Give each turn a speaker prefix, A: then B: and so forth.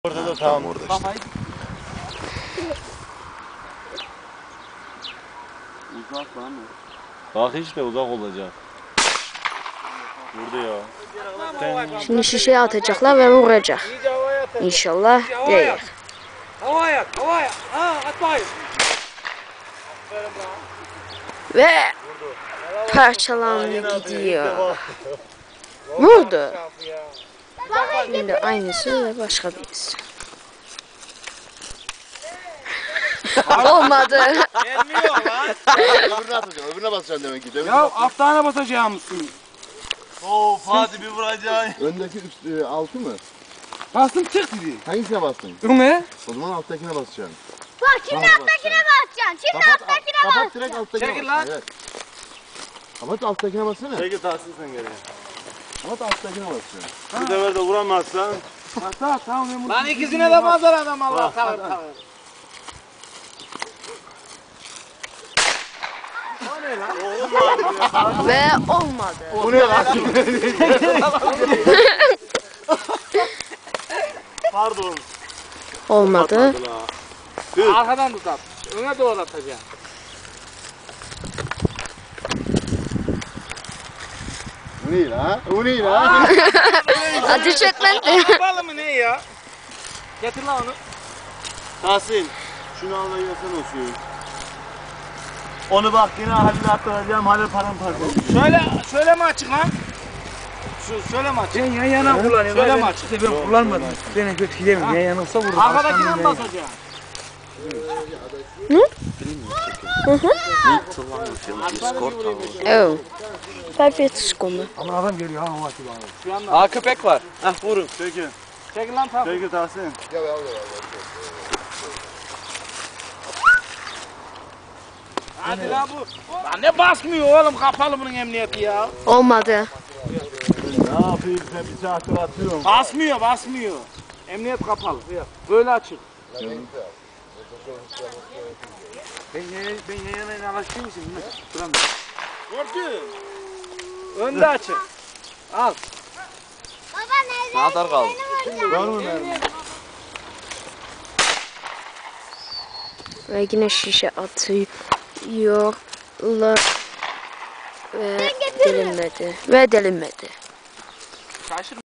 A: Orada da tamam.
B: Orada işte.
A: Uzak lan o. Bak işte uzak olacak. Vurdu ya.
C: Şimdi şişeye atacaklar ve vuracak. İnşallah değil.
D: Havaya, havaya. Ha, at bakayım.
C: Ve parçalandı gidiyor. Vurdu. Şimdi aynısı ve başka birisi. Olmadı.
D: Gelmiyor lan.
B: Öbürüne atacaksın, öbürüne basacaksın demek ki.
D: Ya aftana basacağım mısın?
A: Oo Fatih bir vuracaksın.
B: Öndeki üst, altı mı?
D: Bastım çık dedi.
B: Hangisine bastın?
D: Ne?
B: O zaman alttakine basacaksın.
E: Bak şimdi alttakine basacaksın. Şimdi alttakine
B: Kapat
E: basacaksın.
B: direkt alttakine
D: Çekil
B: bas.
D: lan.
B: Evet. Kapat alttakine bassana.
A: Peki Tahsin sen geriye.
B: Kapat alttakine basacaksın.
A: Bu sefer de vuramazsan.
D: Tamam ben bunu. Lan ikisine de bazar adam Allah tavır.
C: Ve olmadı.
B: Bu ne lan?
A: Pardon.
C: Olmadı.
D: Arkadan tut at. Öne doğru atacaksın.
B: Bu ne lan? Bu ne lan?
C: Ateş et lan.
D: Kapalı mı ne ya? Getir lan onu.
A: Tahsin. Şunu al da yasana o suyu. Onu bak yine Halil'e attıracağım. Halil paramparça.
D: Şöyle mi açık lan? Şöyle mi açık? Ben yan yana kullanıyorum. Şöyle mi açık?
F: Ben kullanmadım. Beni kötü yemem. Yan yana olsa vurur.
D: Arkadakine mi basacaksın?
C: Oh. 5 seconden.
F: Ama adam geliyor ha o açı bana.
D: Şu anda.
A: Aa köpek var. Hah vurun. Peki.
D: Çekil lan tamam.
A: Peki Tahsin.
B: Ya ya.
D: Hadi lan bu. Lan ne basmıyor oğlum kapalı bunun emniyeti ya.
C: Olmadı.
A: Ne yapayım sen bir saattir atıyorum.
D: Basmıyor. Emniyet kapalı. Böyle açık.
F: Ben yan yana alıştığım için bilmem.
D: Gördün. Önde açık. Al.
E: Baba nerede?
A: Ne kadar kaldı?
B: Var mı mermi?
C: Ve yine şişe atıyorlar. Ve delinmedi.